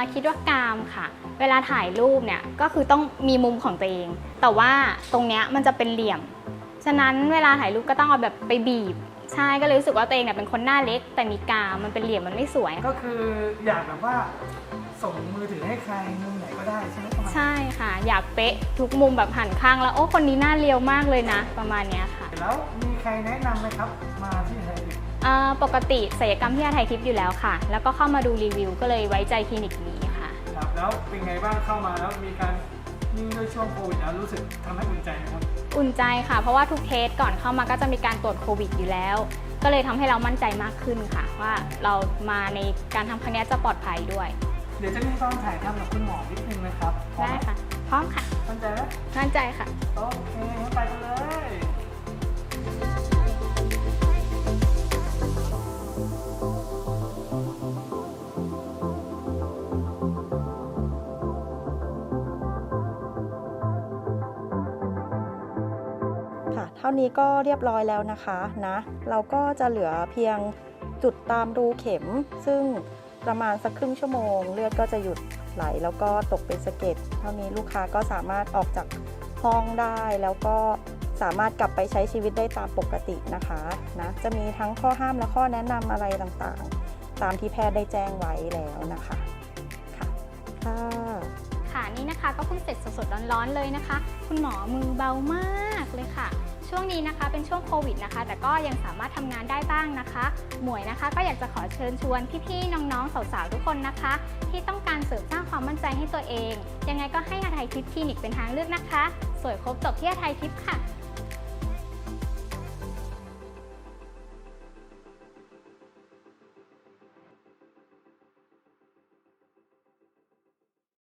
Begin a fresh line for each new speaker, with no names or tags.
คิดว่ากามค่ะเวลาถ่ายรูปเนี่ยก็คือต้องมีมุมของตัวเองแต่ว่าตรงเนี้ยมันจะเป็นเหลี่ยมฉะนั้นเวลาถ่ายรูปก็ต้องเอาแบบไปบีบใช่ก็เลยรู้สึกว่าตัวเองเนี่ยเป็นคนหน้าเล็กแต่มีกามมันเป็นเหลี่ยมมันไม่สวย
ก็คืออยากแบบว่าส่งมือถือให้ใครมุมไหนก็ได้ใช่ไหมประมาณ
ใช่ค่ะอยากเป๊ะทุกมุมแบบหันข้างแล้วโอ้คนนี้หน้าเรียวมากเลยนะประมาณเนี้ยค่ะ
แล้วมีใครแนะนำไหมครับมาที่ไทย
ปกติศัลยกรรมที่อาไทยทิพย์อยู่แล้วค่ะแล้วก็เข้ามาดูรีวิวก็เลยไว้ใจคลินิกนี้ค่ะ
ครับแล้วเป็นไงบ้างเข้ามาแล้วมีการยิ่งด้วยช่วงโควิดแล้วรู้สึกทำให้อุ่นใจไหมครับ
อุ่นใจค่ะเพราะว่าทุกเทสก่อนเข้ามาก็จะมีการตรวจโควิดอยู่แล้วก็เลยทำให้เรามั่นใจมากขึ้นค่ะว่าเรามาในการทำครั้งนี้จะปลอดภัยด้วย
เดี๋ยวจะมีตอนถ่ายทำกับคุณหมอนิดนึงนะครับพร้อม
ได้
ไหม
ค่ะพร้อมค่ะ
มั่นใจไหม
มั่นใจค่ะ
โอเคงั้นไปกันเลย
ค่ะเท่านี้ก็เรียบร้อยแล้วนะคะเราก็จะเหลือเพียงจุดตามรูเข็ม ซึ่งประมาณสักครึ่งชั่วโมงเลือดก็จะหยุดไหลแล้วก็ตกเป็นสะเก็ดเท่านี้ลูกค้าก็สามารถออกจากห้องได้แล้วก็สามารถกลับไปใช้ชีวิตได้ตามปกตินะคะจะมีทั้งข้อห้ามและข้อแนะนำอะไรต่างๆตามที่แพทย์ได้แจ้งไว้แล้วนะคะค่ะ
ค่ะนี่นะคะก็เพิ่งเสร็จสดๆร้อนๆเลยนะคะ คุณหมอมือเบามากเลยค่ะ ช่วงนี้นะคะเป็นช่วงโควิดนะคะแต่ก็ยังสามารถทำงานได้บ้างนะคะ หมวยนะคะก็อยากจะขอเชิญชวนพี่ๆน้องๆสาวๆทุกคนนะคะ ที่ต้องการเสริมสร้างความมั่นใจให้ตัวเองยังไงก็ให้อาไทยทิพย์คลินิกเป็นทางเลือกนะคะสวยครบจบที่อาไทยทิพย์ค่ะ